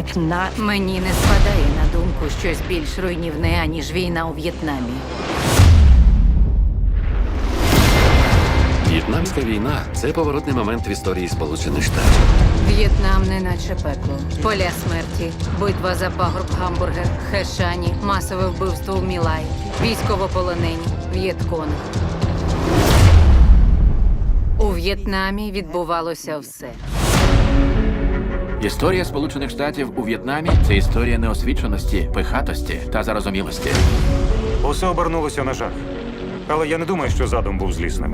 Мені не спадає на думку щось більш руйнівне, аніж війна у В'єтнамі. В'єтнамська війна – це поворотний момент в історії Сполучених Штатів. В'єтнам не наче пекло. Поля смерті, битва за пагорб Гамбургер, Хешані, масове вбивство у Мілай, військовополонені, В'єтконг. У В'єтнамі відбувалося все. Історія Сполучених Штатів у В'єтнамі – це історія неосвіченості, пихатості та зарозумілості. Усе обернулося на жах. Але я не думаю, що задум був злісним.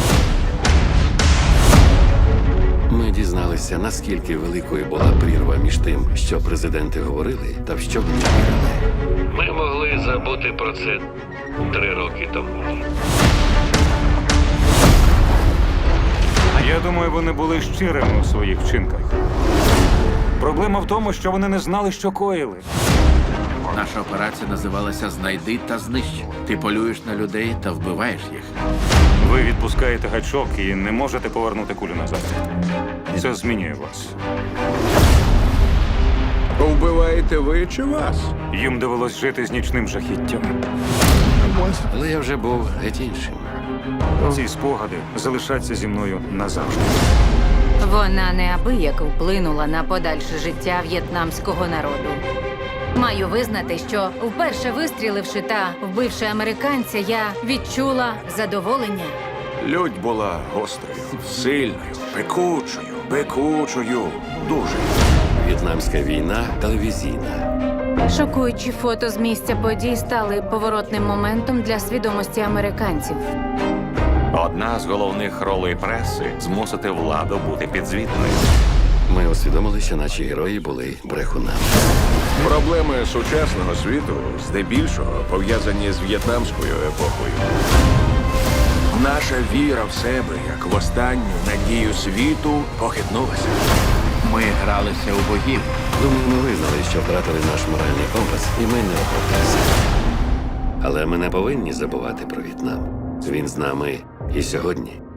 Ми дізналися, наскільки великою була прірва між тим, що президенти говорили, та в що вони вірили. Ми могли забути про це 3 роки тому. Я думаю, вони були щирими у своїх вчинках. Проблема в тому, що вони не знали, що коїли. Наша операція називалася «Знайди та знищ». Ти полюєш на людей та вбиваєш їх. Ви відпускаєте гачок і не можете повернути кулю назад. Це змінює вас. Вбиваєте ви чи вас? Їм довелось жити з нічним жахіттям. Але я вже був геть іншим. Ці спогади залишаться зі мною назавжди. Вона неабияк вплинула на подальше життя в'єтнамського народу. Маю визнати, що вперше вистріливши та вбивши американця, я відчула задоволення. Лють була гострою, сильною, пекучою, дуже. В'єтнамська війна телевізійна. Шокуючі фото з місця подій стали поворотним моментом для свідомості американців. Одна з головних ролей преси – змусити владу бути підзвітною. Ми усвідомили, що наші герої були брехунами. Проблеми сучасного світу здебільшого пов'язані з в'єтнамською епохою. Наша віра в себе, як в останню надію світу, похитнулася. Ми гралися у богів. Думаю, ми визнали, що втратили наш моральний компас, і ми не оправдалися. Але ми не повинні забувати про В'єтнам. Він з нами і сьогодні.